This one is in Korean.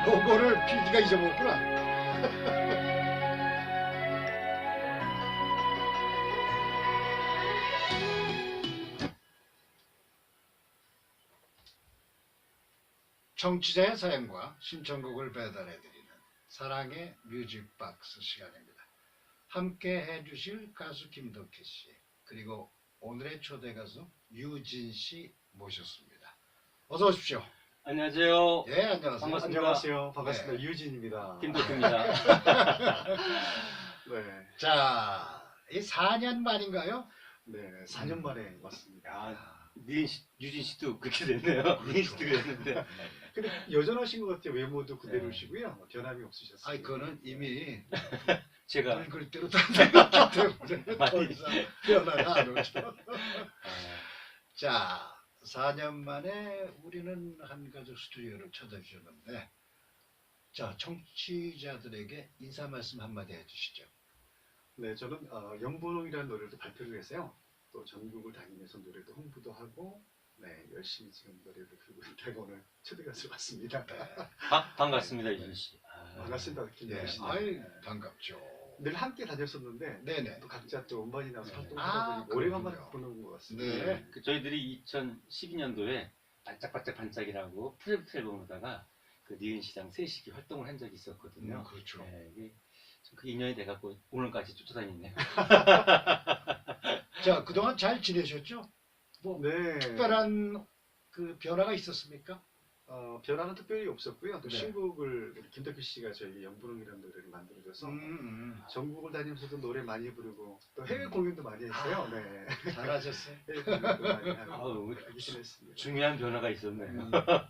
요거를 PD가 잊어먹었구나. 청취자의 사연과 신청곡을 배달해드리는 사랑의 뮤직박스 시간입니다. 함께 해주실 가수 김덕희 씨, 그리고 오늘의 초대 가수 유진 씨 모셨습니다. 어서 오십시오. 안녕하세요. 예, 안녕하세요. 반갑습니다. 안녕하세요. 반갑습니다. 네. 유진입니다. 김덕희입니다. 네, 자, 이 4년 만인가요? 네, 4년 만에 왔습니다. 아, 유진 씨도 그렇게 됐네요. 니은 씨도 그랬는데. 근데 여전하신 것 같아요. 외모도 네. 그대로시고요. 변함이 없으셨어요. 아니, 그거는 이미 제가 늙을 대로 다 되었기 때문에 더 많이- 이상 변화가 안 오죠. 아, 자, 4년 만에 우리는 한가족 스튜디오를 찾아주셨는데, 자, 청취자들에게 인사 말씀 한마디 해주시죠. 네, 저는 영분홍이라는 노래도 발표를 해서요. 또 전국을 다니면서 노래도 홍보도 하고, 네, 열심히 지금 노래를 부르고 있다고 오늘 초대 가수 왔습니다. 네. 반갑습니다, 유진 씨. 아, 반갑습니다. 네. 김덕희 씨. 아이, 반갑죠. 늘 함께 다녔었는데 네네. 또 각자 또 음반이 나서 네. 활동하다 아, 보니 오래간만에 그렇군요. 보는 것 같습니다. 네. 저희들이 2012년도에 반짝반짝 반짝이라고 프로젝트 앨범으로다가 그 니은 씨랑 셋이 활동을 한 적이 있었거든요. 그렇죠. 네, 이게 그 인연이 돼갖고 오늘까지 쫓아다니네요. 자, 그동안 잘 지내셨죠? 뭐, 네. 특별한 그 변화가 있었습니까? 변화는 특별히 없었고요. 또 네. 신곡을 우리 김덕희 씨가 저희 영분홍이라는 노래를 만들어줘서 전국을 다니면서도 노래 많이 부르고 또 해외 공연도 많이 했어요. 네. 잘하셨어요. 해외 공연도 많이 하고 아우, 하기 지냈습니다. 중요한 변화가 있었네요.